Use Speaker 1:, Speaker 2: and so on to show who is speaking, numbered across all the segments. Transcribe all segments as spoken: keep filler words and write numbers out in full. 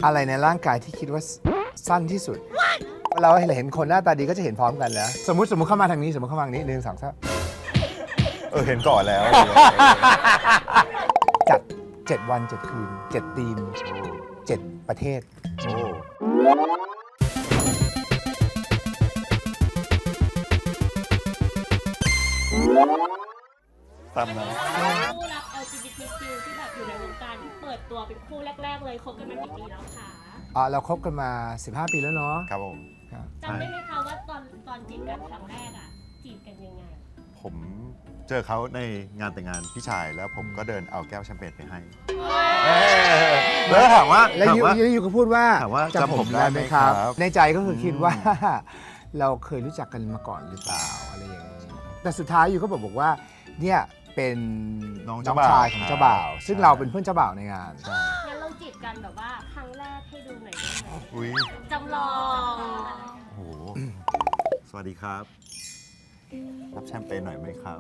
Speaker 1: อะไรในร่างกายที่คิดว่าสั้นที่สุดเราเห็นคนหน้าตาดีก็จะเห็นพร้อมกันแล้วสมมติสมมติเข้ามาทางนี้สมมติเข้ามาทางนี้หนึ่งสองสาม
Speaker 2: เออเห็นก่อนแล้ว
Speaker 1: จัดเจ็ดวันเจ็ดคืนเจ็ดธีมเจ็ดประเทศ
Speaker 2: โอ้ ตามนั้น
Speaker 3: คู่รัก แอล จี บี ที คิว ที่แบบอยู่ในวงการเปิดตัวเป็นคู่แรกๆเลยคบกันมากี่ปีแล้วคะ
Speaker 1: อ่าเราคบกันมาสิบห้าปีแล้วเนาะ
Speaker 2: ครับผม
Speaker 1: ครับ
Speaker 3: จำได้ไหมคะว่าตอนตอนจีบกันครั้งแรกอ่ะจีบกันยังไง
Speaker 2: ผมเจอเขาในงานแต่งงานพี่ชายแล้วผมก็เดินเอาแก้วแชมเปญไปให้แล้วถามว่า
Speaker 1: แล้ว
Speaker 2: ถาม
Speaker 1: ยู
Speaker 2: ว่า
Speaker 1: ยูยูก็พูดว่า
Speaker 2: ถามว่าจำผมได้ไหมครับ
Speaker 1: ในใจก็คือคิดว่า เราเคยรู้จักกันมาก่อนหรือเปล่าอะไรอย่างนี้แต่สุดท้ายยูก็บอกบอกว่าเนี่ยเป็น
Speaker 2: น้อง
Speaker 1: น้
Speaker 2: เจ้า
Speaker 1: อง
Speaker 2: บ่าว
Speaker 1: ชายของเจ้าบ่าว ซึ่ง
Speaker 2: ใช่
Speaker 1: เราเป็นเพื่อนเจ้าบ่าวในงาน
Speaker 2: ใช่
Speaker 3: งั้นเราจีบกันแบบว่าครั้งแรกให้ดูหน่อยได้ไหม
Speaker 2: อุ้ย
Speaker 3: จำลอง
Speaker 2: โอ้โหสวัสดีครับ รับแชมเปญหน่อยไหมครับ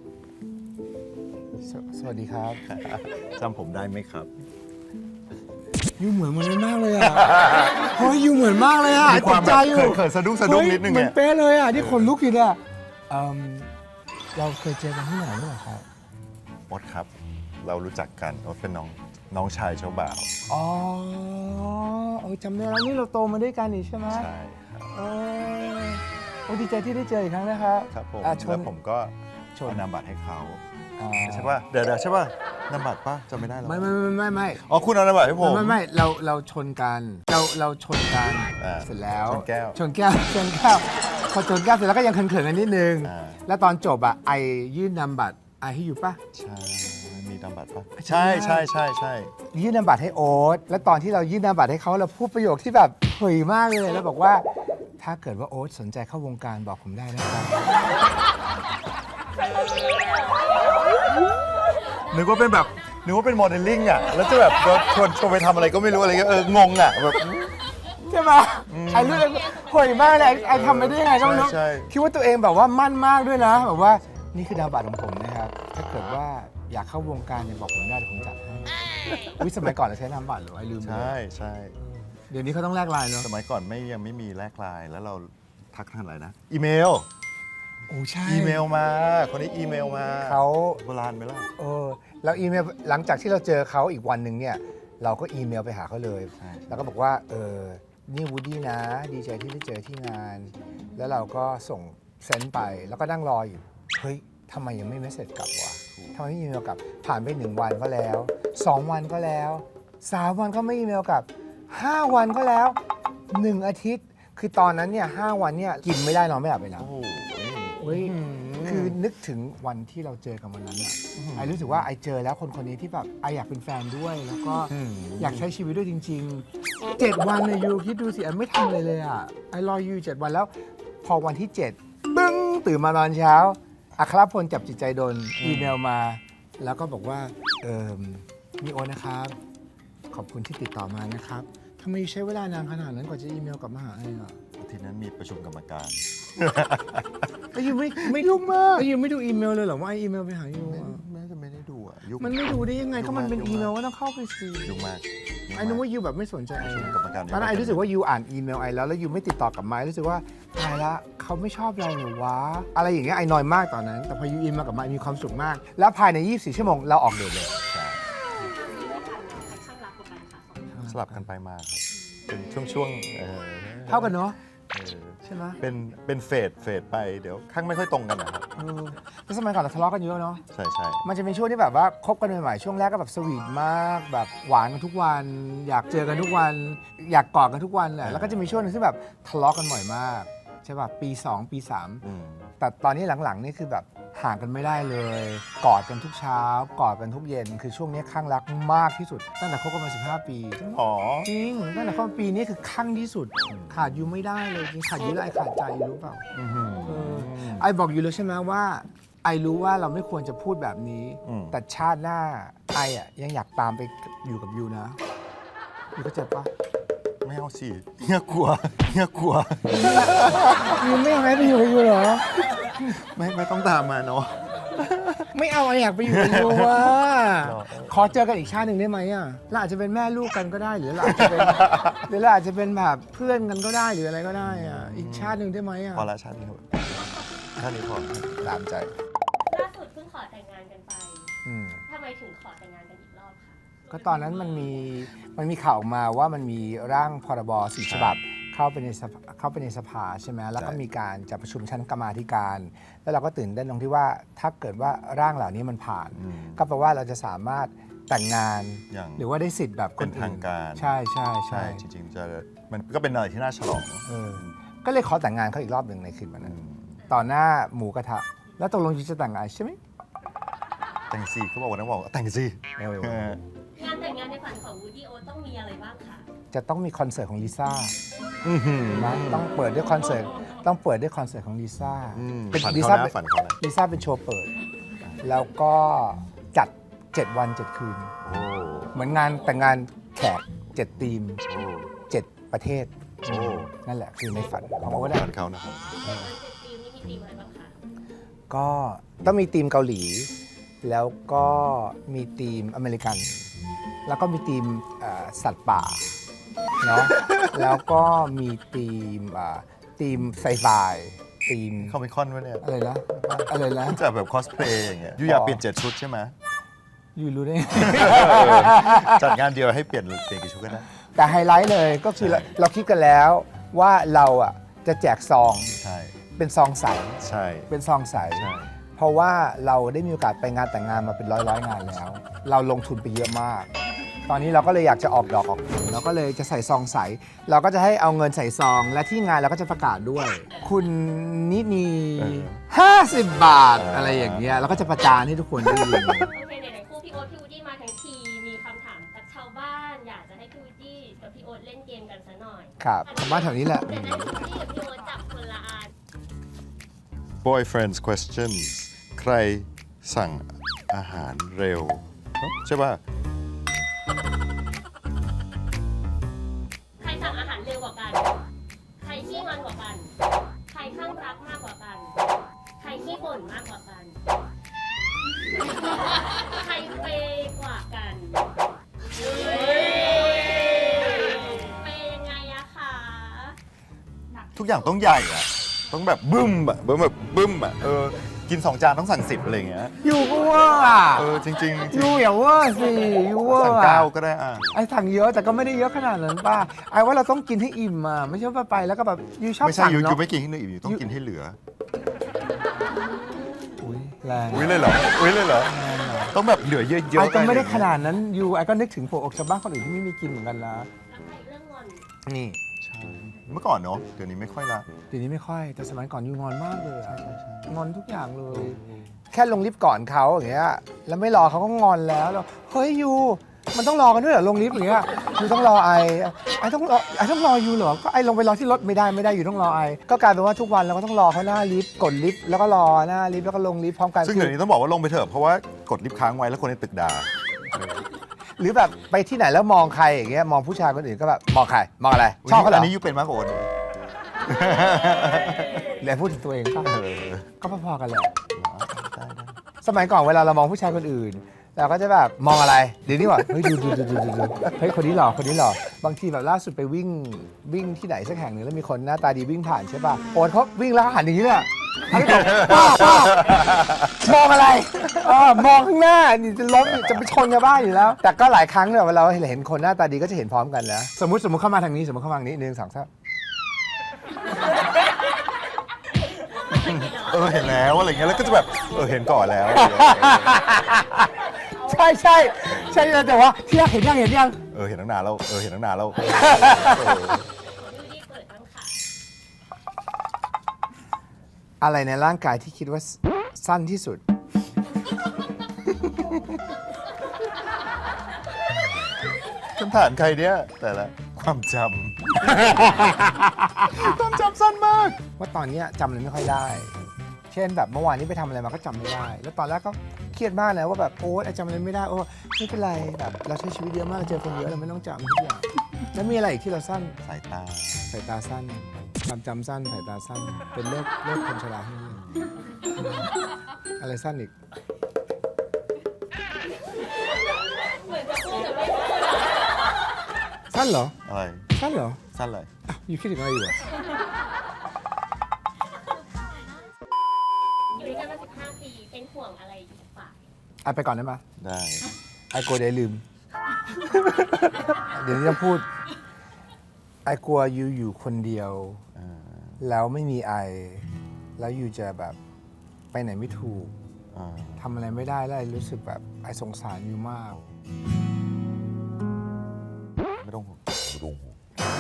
Speaker 1: สสวัสดีครับ
Speaker 2: จำผมได้ไหมครับ
Speaker 1: ยูเหมือนมันนั้นมากเลยอ่ะ เฮ้ยยูเหมือนมากเลยอ่ะ
Speaker 2: มีความ
Speaker 1: ตกใจอยู่
Speaker 2: แบบเขินๆสะดุ้งสะดุ้งนิดนึง
Speaker 1: เหมื
Speaker 2: เนี่
Speaker 1: อน
Speaker 2: ย
Speaker 1: เป๊ะเลยอ่ะที่คนลุกอยู่เนี่ยเอิ่มเราเคยเจอกันที่ไหนหรือเปล่าครับ
Speaker 2: โอ๊ตครับ เรารู้จักกันโอ๊ตเป็นน้องน้องชายเจ้าบ่าว
Speaker 1: อ๋อเออจำได้แล้วนี่เราโตมาด้วยกันนี่ใช่ไหม
Speaker 2: ใช่ครับ
Speaker 1: เออโอ้ดีใจที่ได้เจออีกครั้งนะครับ
Speaker 2: ครับผม
Speaker 1: อ่ะช
Speaker 2: แล้
Speaker 1: น
Speaker 2: วผมก็
Speaker 1: ชน
Speaker 2: เอานามบัตรให้เขา
Speaker 1: อ่า
Speaker 2: ใช่ป่ะเดี๋ยวเดี๋ยวใช่ป่ะนามบัตรป่ะจำไม่ได้หรอ
Speaker 1: ไม่ไม่ไม่ไม่ไม่
Speaker 2: อ๋อคุณเอานามบัตรให้ผม
Speaker 1: ไม่ไม่เราเราชนกันเราเราชนกัน
Speaker 2: อ่า
Speaker 1: เสร็จแล้ว
Speaker 2: ชนแก้ว
Speaker 1: ชนแก้วชนแก้วพอชนแก้วเสร็จแล้วก็ยังเขินๆกันนิดนึง
Speaker 2: อ่า
Speaker 1: แล้วตอนจบอ่ะไอยื่นนามบัตรไอให้อยู่ปะ
Speaker 2: ใช่มีนามบัตรป่ะใช่ใช่ใช่ใช่
Speaker 1: ยื่นนามบัตรให้โอ๊ตแล้วตอนที่เรายื่นนามบัตรให้เขาเราพูดประโยคที่แบบเผยมากเลยแล้วบอกว่า ถ้าเกิดว่าโอ๊ตสนใจเข้าวงการบอกผมได้นะครับ
Speaker 2: นึกว่าเป็นแบบนึกว่าเป็นโมเดลลิ่งอ่ะแล้วจะแบบโดนชวนชวนไปทำอะไรก็ไม่รู้อะไรเงี้ยเอองงอ่ะแบบ
Speaker 1: ใช่ไหมไอ้เรื่องเผยมากเลยไอ้ไอ้ทำไปได้ยังไงก็ไม่รู้
Speaker 2: ใช่
Speaker 1: คิดว่าตัวเองแบบว่ามั่นมากด้วยนะแบบว่านี่คือนามบัตรของผมนะครับถ้าเกิดว่าอยากเข้าวงการเนี่ยบอกผมได้เดี๋ยวผมจัดให้อุ๊ยสมัยก่อนเราใช้นามบัตรเหรอไอ้ลืมไป
Speaker 2: ใช่ใช่
Speaker 1: เดี๋ยวนี้เขาต้องแลกไลน์เนาะ
Speaker 2: สมัยก่อนไม่ยังไม่มีแลกไลน์แล้วเราทักทางอะไรนะ อีเมล
Speaker 1: โอ้ใช่
Speaker 2: อีเมลมา คนนี้อีเมลมา
Speaker 1: เขา
Speaker 2: โบราณไหมล่ะ
Speaker 1: เออแล้วอีเมลหลังจากที่เราเจอเขาอีกวันหนึ่งเนี่ยเราก็อีเมลไปหาเขาเลย
Speaker 2: ใช่
Speaker 1: แล้วก็บอกว่าเออนี่วูดดี้นะ ดีใจที่ได้เจอที่งาน แล้วเราก็ส่งเซนต์ไปแล้วก็นั่งรออยู่เฮ้ยทำไมยังไม่เมสเซจกลับวะทำไมไม่อีเมลกลับผ่านไปหนึ่งวันก็แล้วสองวันก็แล้วสามวันก็ไม่อีเมลกลับห้าวันก็แล้วหนึ่งอาทิตย์ คือตอนนั้นเนี่ยห้าวันเนี่ยกินไม่ได้นอนไม่หลับเลยนะ
Speaker 2: โอ้โห
Speaker 1: เฮ้ยคือนึกถึงวันที่เราเจอกันวันนั้นอะไอรู้สึกว่าไอเจอแล้วคนคนนี้ที่แบบไออยากเป็นแฟนด้วย แล้วก็อยากใช้ชีวิตด้วยจริงๆเจ็ดวันเนี่ยยูคิดดูสิไอไม่ทำอะไรเลยอะไอรอยูเจ็ดวันแล้ว พอวันที่เจ็ดบึ้งตื่นมาตอนเช้าอัครพลจับจิตใจโดนอีเมลมา แล้วก็บอกว่าเออมีโอนะครับ ขอบคุณที่ติดต่อมานะครับทำไมใช้เวลานานขนาดนั้นกว่าจะอีเมลกลับมาหาไออะ
Speaker 2: อาทีนั้นมีประชุมกรรมการ
Speaker 1: ไอยูไม่ไม่ยุ่งมากไอยูไม่ดูอีเมลเลยเหรอว่าไออีเมลไปหายูอะ
Speaker 2: แม่จะไม่ได้ดูอ่ะยุ่ง
Speaker 1: มันไม่ดูได้ยังไงก็มันเป็น
Speaker 2: ยุ่งมาก
Speaker 1: อีเมลก็ต้องเข้าไปสิ
Speaker 2: ยุ่งมากยุ่งมาก
Speaker 1: ไอ้นึกว่ายูแบบไม่สนใจไอ้
Speaker 2: ประชุมกรรมการ
Speaker 1: ตอนนั้นไอ้รู้สึกว่ายูอ่านอีเมลไอ้แล้วแล้วยูไม่ติดต่อกลับมาไอ้รู้สึกว่าตายละเขาไม่ชอบเราหรือวะอะไรอย่างเงี้ยไอ้นอยมากตอนนั้น แต่พอยูอินมากับมามีความสุขมาก แล้วภายในยี่สิบสี่ชั่วโมงเราออกเดทเลย
Speaker 2: ใช่
Speaker 3: ข้างรักกว่ากันค่ะสองคน
Speaker 2: สลับกันไปมาครับ เป็นช่วงๆเออ
Speaker 1: เท่ากันเนาะ
Speaker 2: เออ
Speaker 1: ใช่ไหม
Speaker 2: เป็นเป็นเฟดเฟดไปเดี๋ยวข้างไม่ค่อยตรงกันนะครับ
Speaker 1: เออแล้วสมัยก่อนเราทะเลาะกันเยอะเนาะ
Speaker 2: ใช่ใช่
Speaker 1: มันจะเป็นช่วงที่แบบว่าคบกันใหม่ๆช่วงแรกก็แบบสวีทมากแบบหวานกันทุกวัน อยากเจอกันทุกวัน อยากกอดกันทุกวันแหละแล้วก็จะมีช่วงหนึงที่แบบทะเลาะกันบ่อยมากใช่ป่ะปีสองปีสาม
Speaker 2: อืม
Speaker 1: แต่ตอนนี้หลังๆนี่คือแบบห่างกันไม่ได้เลย กอดกันทุกเช้ากอดกันทุกเย็น คือช่วงนี้ข้างรักมากที่สุด ตั้งแต่คบกันมาสิบห้าปี
Speaker 2: อ๋อ
Speaker 1: จริงตั้งแต่คบกันปีนี้คือข้างที่สุด ขาดอยู่ไม่ได้เลยจริงขาดอยู่แล้วไอขาดใจอยู่รู้เปล่า
Speaker 2: อื้อหือ
Speaker 1: เออไอบอกอยู่แล้วใช่ไหมว่า ไอรู้ว่าเราไม่ควรจะพูดแบบนี้
Speaker 2: อืม
Speaker 1: แต่ชาติหน้าไออ่ะยังอยากตามไปอยู่กับยูนะยูก็เจ็บปะ
Speaker 2: ไม่เอาสิเฮียกลัวเฮียกลัว
Speaker 1: ยูไม่อยากให้ไปอยู่กับยูเหรอ
Speaker 2: ไม่ไม่ต้องตามมาเนาะ
Speaker 1: ไม่เอาอยากไปอยู่กับยูว่าขอเจอกันอีกชาติหนึ่งได้ไหมอ่ะเราอาจจะเป็นแม่ลูกกันก็ได้หรือเราอาจจะเป็นหรือเราอาจจะเป็นแบบเพื่อนกันก็ได้หรืออะไรก็ได้อ่ะอีกชาติหนึ่งได้ไหมอ่ะ
Speaker 2: พอละชาตินี้ชาตินี้พอตามใจ
Speaker 3: ล่าสุดเพิ่งขอแต่งงานกันไป
Speaker 1: อืม
Speaker 3: ทำไมถึงขอแต่งงานกันอีกรอบคะ
Speaker 1: ก็ตอนนั้นมันมีมันมีข่าวออกมาว่ามันมีร่างพรบสี่ฉบับเข้าไปในสภาเข้าไปในสภาใช่ไหมแล้วก็มีการจัดประชุมชั้นกรรมาธิการ แล้วเราก็ตื่นเต้นตรงที่ว่าถ้าเกิดว่าร่างเหล่านี้มันผ่าน
Speaker 2: อืม
Speaker 1: ก็แปลว่าเราจะสามารถแต่งงาน
Speaker 2: อย่าง
Speaker 1: หรือว่าได้สิทธิ์แบบค
Speaker 2: เป็น น
Speaker 1: อื่น
Speaker 2: ทางการ
Speaker 1: ใช่ใช่
Speaker 2: ใช่
Speaker 1: ใช่
Speaker 2: จริงๆจะมันก็เป็นอะไรที่น่าฉลอง
Speaker 1: เออก็เลยขอแต่งงานเขาอีกรอบหนึ่งในคืนวัน
Speaker 2: อื
Speaker 1: นั้น
Speaker 2: ม
Speaker 1: ต่อหน้าหมูกระทะแล้วตกลงยูจะแต่งงานใช่ไหม
Speaker 2: แต่งสิเขาบอกวันนั้นบอกว่าแต่งสิ
Speaker 1: เออ
Speaker 2: เออง
Speaker 3: านแต่งงานในฝันของวูดดี้โอ๊ตต้องมีอะไรบ้างคะ
Speaker 1: จะต้องมีคอนเสิร์ตของลิซ่า
Speaker 2: อื้อหือ
Speaker 1: นะต้องเปิดด้วยคอนเสิร์ตต้องเปิดด้วยคอนเสิร์ตของลิซ่า
Speaker 2: อืม
Speaker 1: เป็น
Speaker 2: ฝัน
Speaker 1: ลิ
Speaker 2: เขา
Speaker 1: ซ่า
Speaker 2: นะ
Speaker 1: เป็น
Speaker 2: ฝันเขานะ
Speaker 1: ลิซ่าเป็นโชว์เปิด แล้วก็จัด เจ็ด วัน เจ็ด คืน
Speaker 2: โอ้
Speaker 1: เหมือนงานแต่งงานแขกเจ็ดทีม
Speaker 2: โอ้
Speaker 1: เจ็ดประเทศ
Speaker 2: โอ้
Speaker 1: นั่นแหละคือในฝันของโอ๊ตอะ
Speaker 2: ฝันเขานะครับ
Speaker 3: เจ็ดวันเจ็ดทีมนี่มีทีมอะไรบ้างคะ
Speaker 1: ก็ต้องมีทีมเกาหลี แล้วก็มีทีมอเมริกัน แล้วก็มีทีมเอ่อสัตว์ป่าเนาะ แล้วก็มีทีมเอ่อทีมไซไฟทีม
Speaker 2: เขาเป็นคอนวะเนี่ย
Speaker 1: อะไรนะอะไรนะ
Speaker 2: จะแบบคอสเพลย์อย่างเงี้ยยูอยากเปลี่ยนเจ็ดชุดใช่ไหม
Speaker 1: อยู่รู้ได้ไง
Speaker 2: จัดงานเดียวให้เปลี่ยนเปลี่ยนกี่ชุดก็ได้
Speaker 1: แต่ไฮไลท์เลยก็คือเรา
Speaker 2: ใช่
Speaker 1: เราคิดกันแล้วว่าเราอ่ะจะแจกซอง
Speaker 2: ใช่
Speaker 1: เป็นซองใส
Speaker 2: ใช่
Speaker 1: เป็นซองใส
Speaker 2: ใช่
Speaker 1: เพราะว่าเราได้มีโอกาสไปงานแต่งงานมาเป็นร้อยร้อยๆงานแล้ว เราลงทุนไปเยอะมาก ตอนนี้เราก็เลยอยากจะออกดอกออกผลเราก็เลยจะใส่ซองใส เราก็จะให้เอาเงินใส่ซอง และที่งานเราก็จะประกาศด้วย คุณนินีห้าสิบบาทอะไรอย่างเงี้ยเราก็จะประจานให้ทุกคนได้ยิน
Speaker 3: โอเคไหนๆคู่พี่โอ๊ตพี่วูดดี้มาทั้งทีมีคำถามจากชาวบ้าน อยากจะให้พี่วูดดี้กับพี่โอ๊ตเล่นเกมกันซะหน่อย
Speaker 1: ครับบ้านแถวนี้แหละ
Speaker 3: เดี๋ยวนะพี่วูดดี้กับพี่โอ๊ตจับคนละอัน
Speaker 2: boyfriend's questions ใครสั่งอาหารเร็ว ใช่ป่ะ
Speaker 3: ใครสั่งอาหารเร็วกว่ากัน ใครขี้งอนกว่ากัน ใครข้างรักมากกว่ากัน ใครขี้บ่นมากกว่ากัน ใครเปย์กว่ากันเปย์ยังไงอะคะ
Speaker 2: ทุกอย่างต้องใหญ่อะต้องแบบบึ้มอะบึ้มแบบบึ้มอะเออกินสองจานต้องสั่งสิบอะไรอย่างเงี้ย
Speaker 1: อยู่ก็เว่าอ่ะ
Speaker 2: เออจริงๆจริง
Speaker 1: อยู่อย่าเว่าสิอยู่เว่า
Speaker 2: สั่ง
Speaker 1: อ่ะ
Speaker 2: เก้าก็ได้อ่ะ
Speaker 1: ไอ้สั่งเยอะแต่ก็ไม่ได้เยอะขนาดนั้นป่ะไอ้ว่าเราต้องกินให้อิ่มอ่ะไม่ใช่ว่าไปแล้วก็แบบยูชอบ
Speaker 2: ไม่ใช่
Speaker 1: สั่ง
Speaker 2: ยูยู
Speaker 1: เนาะ
Speaker 2: ไม่กินให้เหลืออยู่ต้องกินให้เหลือ
Speaker 1: อุ้ยแรง
Speaker 2: อุ้ยเลยเหรออุ้ยเลยเหรอต้องแบบเหลือเยอะๆ
Speaker 1: ไอ้ก็ไม่ได้
Speaker 2: อะร
Speaker 1: ขนาดนั้นยูไอ้ก็นึกถึงผัวอกชาวบ้านคนอื่นที่ไม่มีกินเหมือนกันละ
Speaker 3: แล้วใครเรื่องงอน
Speaker 1: นี่
Speaker 2: ใช่เมื่อก่อนเนาะเดี๋ยวนี้ไม่ค่อยละ
Speaker 1: เดี๋ยวนี้ไม่ค่อยแต่สมัยก่อนยูงอนมากเลยอะงอนทุกอย่างเลย แค่ลงลิฟต์ก่อนเขาอย่างเงี้ยแล้วไม่รอเขาก็งอนแล้วแล้วเฮ้ยยูมันต้องรอกันด้วยเหรอลงลิฟต์อย่างเงี้ยยูต้องรอไอไอต้องรอไอต้องรอยูเหรอก็ไอลงไปรอที่รถไม่ได้ไม่ได้อยู่ต้องรอไอก็กลายเป็นว่าทุกวันเราก็ต้องรอเขาหน้าลิฟต์กดลิฟต์แล้วก็รอหน้าลิฟต์แล้วก็ลงลิฟต์พร้อมกัน
Speaker 2: ซึ่งเดี๋ยวนี้ต้องบอกว่าลงไปเถอะเพราะว่ากดลิฟต์ค้างไว้แล้วคนในตึกด่า
Speaker 1: หรือแบบไปที่ไหนแล้วมองใครอย่างเงี้ยมองผู้ชายคนอื่นก็แบบมองใครมองอะไรชอบเขาเหร
Speaker 2: อั
Speaker 1: อน
Speaker 2: นี้ยูเป็นมากกว่าโอน
Speaker 1: แล้วพูดถึงตัวเองป่ะ
Speaker 2: เออ
Speaker 1: ก็พอๆกันแหละ
Speaker 2: ได้ได้
Speaker 1: สมัยก่อนเวลาเรามองผู้ชายคนอื่นเราก็จะแบบมองอะไรเดี๋ยวนี้ว่าเฮ้ยดูดูดูดูดูดูเฮ้ยคนนี้หล่อคนนี้หล่อบางทีแบบล่าสุดไปวิ่งวิ่งที่ไหนสักแห่งหนึ่งแล้วมีคนหน้าตาดีวิ่งผ่านใช่ป่ะโอนเขาวิ่งแล้วเขาหันอย่างนี้เลยอะหันไปบอกป้าป้ามองอะไรเออมองข้างหน้านี่จะล้มจะไปชนชาวบ้านอยู่แล้ว แต่ก็หลายครั้งเนี่ยเวลาเราเห็นคนหน้าตาดีก็จะเห็นพร้อมกันนะสมมติสมมติเข้ามาทางนี้สมมติเข้ามาทางนี้หนึ่งสองสาม
Speaker 2: เออเห็นแล้วอะไรเงี้ยแล้วก็จะแบบเออเห็นก่อนแล้ว
Speaker 1: ใช่ใช่ใช่แต่ว่าที่ยังเห็นยังเห็นยัง
Speaker 2: เออเห็นตั้งนานแล้วเออเห็นตั้งนานแล้วเออ
Speaker 3: ยูดี้เปิดบ้างค่ะ
Speaker 1: อะไรในร่างกายที่คิดว่าสั้นที่สุด
Speaker 2: คำถามใครเนี่ยแต่ละความจำ ความจำสั้นมาก
Speaker 1: ว่าตอนนี้จำอะไรไม่ค่อยได้ เช่นแบบเมื่อวานนี้ไปทำอะไรมาก็จำไม่ได้ แล้วตอนแรกก็เครียดมากนะว่าแบบโอ๊ยจำอะไรไม่ได้โอ้ไม่เป็นไรแบบเราใช้ชีวิตเยอะมากเราเจอคนเยอะเราไม่ต้องจำทุกอย่างแล้วมีอะไรอีกที่เราสั้น
Speaker 2: สายตา
Speaker 1: สายตาสั้นความจำสั้นสายตาสั้น เป็นโรคโรคคนชราที่นี่ออะไรสั้นอีก
Speaker 3: เหมือนจะพูดแต่ไม่พูด
Speaker 1: สั้นเหรอ
Speaker 2: อะไร
Speaker 1: สั้นเหรอ
Speaker 2: สั้นเลย
Speaker 1: อ่ะอยู่คิดถึงอะไรอยู่อะ
Speaker 3: อยู่ด้วยกันมาสิบห้าปีเป็นห่วงอะไรอีกฝ่าย
Speaker 1: อ่ะไปก่อนได้ไหม
Speaker 2: ได้
Speaker 1: ไอโกลัวเดี๋ยวลืม เดี๋ยวนี้จะพูด ไอกลัวอยู่อยู่คนเดียว
Speaker 2: อ่า
Speaker 1: แล้วไม่มีไอ แล้วอยู่จะแบบไปไหนไม่ถูก
Speaker 2: อ่า
Speaker 1: ทำอะไรไม่ได้แล้วไอรู้สึกแบบไอสงสารอยู่มาก
Speaker 2: ไม่ต้องห่วงไม่ต้องห่วง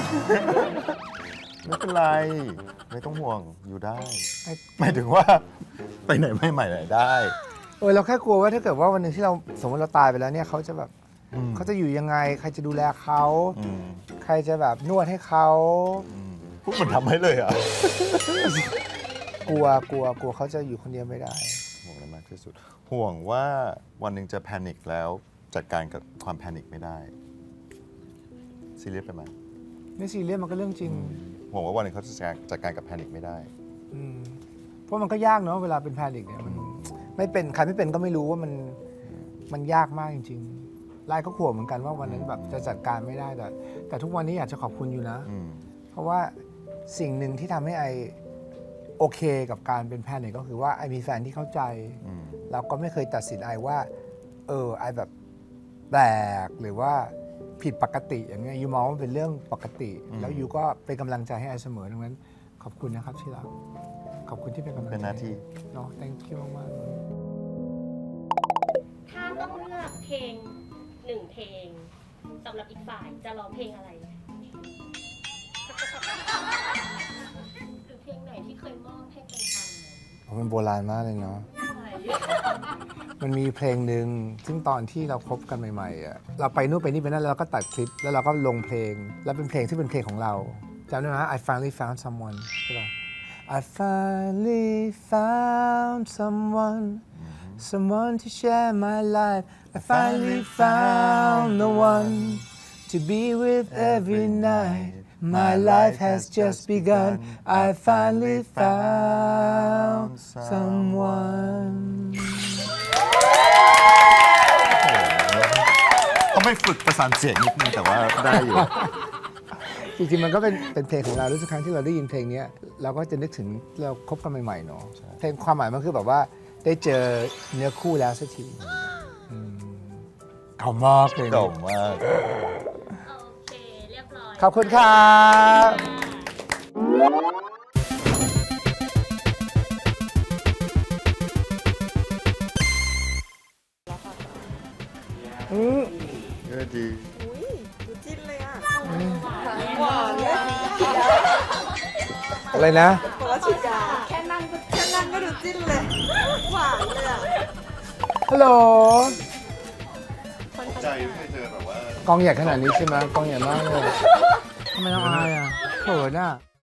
Speaker 2: ไม่เป็นไร ไม่ต้องห่วงอยู่ได้
Speaker 1: ไอ้
Speaker 2: หมายถึงว่า ไปไหนไม่ใหม่ไหนได้
Speaker 1: เออเราแค่กลัวว่าถ้าเกิดว่าวันหนึ่งที่เราสมมติเราตายไปแล้วเนี่ยเขาจะแบบ
Speaker 2: อืม
Speaker 1: เขาจะอยู่ยังไง ใครจะดูแลเขา
Speaker 2: อืม
Speaker 1: ใครจะแบบนวดให้เขา
Speaker 2: อืมพูดเหมือนทำให้เลยอ่ะ
Speaker 1: กลัวกลัวกลัวเขาจะอยู่คนเดียวไม่ได้
Speaker 2: ห่วงอะไรมากที่สุด ห่วงว่าวันหนึ่งจะแพนิคแล้วจัดการกับความแพนิคไม่ได้ซีเรียสไปไหม
Speaker 1: ไม่ซีเรียสมันก็เรื่องจริง
Speaker 2: ห่วงว่าวันหนึ่งเขาจะจัดการกับแพนิคไม่ได้
Speaker 1: อืมเพราะมันก็ยากเนาะเวลาเป็นแพนิคเนี่ยมันไม่เป็นใครไม่เป็นก็ไม่รู้ว่ามันมันยากมากจริงๆไล่ก็ขวบเหมือนกันว่าวันนั้นแบบจะจัดการไม่ได้แต่แต่ทุกวันนี้อยากจะขอบคุณอยู่นะ
Speaker 2: อืม
Speaker 1: เพราะว่าสิ่งหนึ่งที่ทำให้ไอโอเคกับการเป็นแพนิคก็คือว่าไอมีแฟนที่เข้าใจ
Speaker 2: อืม
Speaker 1: เราก็ไม่เคยตัดสินไอว่า เออไอแบบแปลกหรือว่าผิดปกติอย่างเงี้ยยูมองว่ามันเป็นเรื่องปกติ แล้วยูก็เป็นกำลังใจให้ไอเสมอดังนั้น ขอบคุณนะครับที่รักขอบคุณที่เป็นกำลังใจ
Speaker 2: เป็นหน้าที่
Speaker 1: เนาะ thank you มากๆเลย
Speaker 3: ถ้าต้องเลือกเพลงหนึ่งเพลงสำหรับอีกฝ่ายจะร้องเพลงอะไร หรือเพลงไหนที่เคยมอบให้เป็นคำ
Speaker 1: มันโบราณมากเลยเนาะ มันมีเพลงหนึ่งซึ่งตอนที่เราคบกันใหม่ๆอ่ะเราไปนู่นไปนี่ไปนั่นแล้วเราก็ตัดคลิป แล้วเราก็ลงเพลง แล้วเป็นเพลงที่เป็นเพลงของเราจำได้ไหม I finally found someone ใช่ป่ะ I finally found someone someone to share my life I finally found the one to be with every night my life has just begun I finally found someone
Speaker 2: เขาไม่ฝึกประสานเสียงนิดนึงแต่ว่าได้อยู่
Speaker 1: จริงๆ มันก็เป็นเป็นเพลงของเราทุกครั้งที่เราได้ยินเพลงนี้เราก็จะนึกถึงเราคบกันใหม่ๆเนาะเพลงความหมายมันคือแบบว่าได้เจอเนื้อคู่แล้วสักทีอืมเก่ามากเลย
Speaker 2: เก่ามาก
Speaker 3: โอเค เรียบร้อย
Speaker 1: ขอบคุณครับ อืม
Speaker 2: เออดี
Speaker 4: อุ้ยดูจิ้นเลยอ่ะหวานเลย
Speaker 1: อะไรนะ
Speaker 4: บอกว่าฉีดยาแค่นั่งก็แค่นั่งก็ดูจิ้นเลย หวานเลยอ่ะ
Speaker 1: ฮัลโหล
Speaker 2: ใจไม่เจอแบบว่า
Speaker 1: กองใหญ่ขนาดนี้ใช่ไหมกองใหญ่มากเลยทำไมต้องอายอ่ะเขินอ่ะ